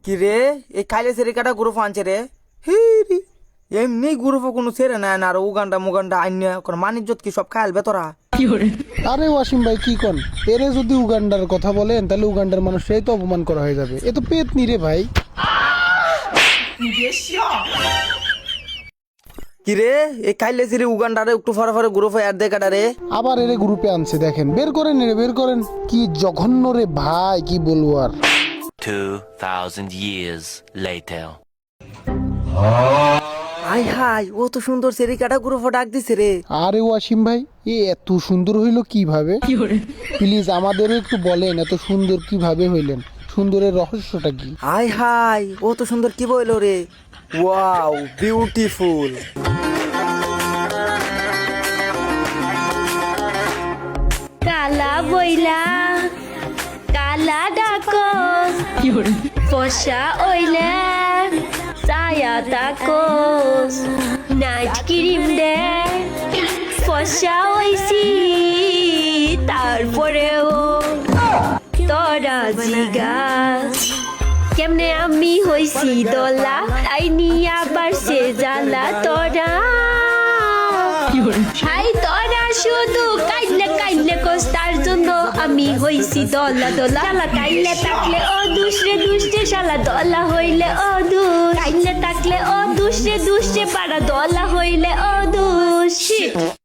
কি রে এই কাইলে সেরে কাটা গ্রুপ আনছে রে হিরি এমনি গ্রুপ কোনো সেরে না আর উগান্ডা মুগান্ডা আইন কোন মানিজ্জত কি সব খাইলবে তোরা আরে ওয়াসিম ভাই কি কন, এরে যদি উগান্ডার কথা বলেন তাহলে উগান্ডার মানুষরাই তো অপমান করা হয়ে যাবে। এ তো পেট নি রে ভাই। কি রে এই কাইলে সেরে উগান্ডারে একটু ফরে ফরে গ্রুপে অ্যাড দে কাটা রে। আবার এরে গ্রুপে আনছে, দেখেন বের করেন রে, বের করেন। কি জঘন্য রে ভাই, কি বলবো আর। 2000 years later. হাই হাই ও তো সুন্দর সেরে কাটা গ্রুপে ডাক দিছে রে। আরে ওয়াসিম ভাই, এ এত সুন্দর হইলো কিভাবে? প্লিজ আমাদেরও একটু বলেন, এত সুন্দর কিভাবে হইলেন? সুন্দরের রহস্যটা কি? হাই হাই ও তো সুন্দর কি বইলো রে। Wow beautiful. কালা বইলা কালা ডাকো ফসা ওইলে ছায়া তাকো নাইট ক্রিম দে ফসা হইছি তারপরেও তোরা জিগাস কেমনে আমি হইছি দলা আইনি আবার সে জ্বালা তোরা হাই তোরা শুধু কাইলে কাইলে কোস তার জন্য আমি হইছি দলা দলা শালা কাইলে থাকলে ও দুসরে দুসরে শালা দলা হইলে ও দুস কাইলে থাকলে ও দুসরে দুসরে পাড়া দলা হইলে ও দুস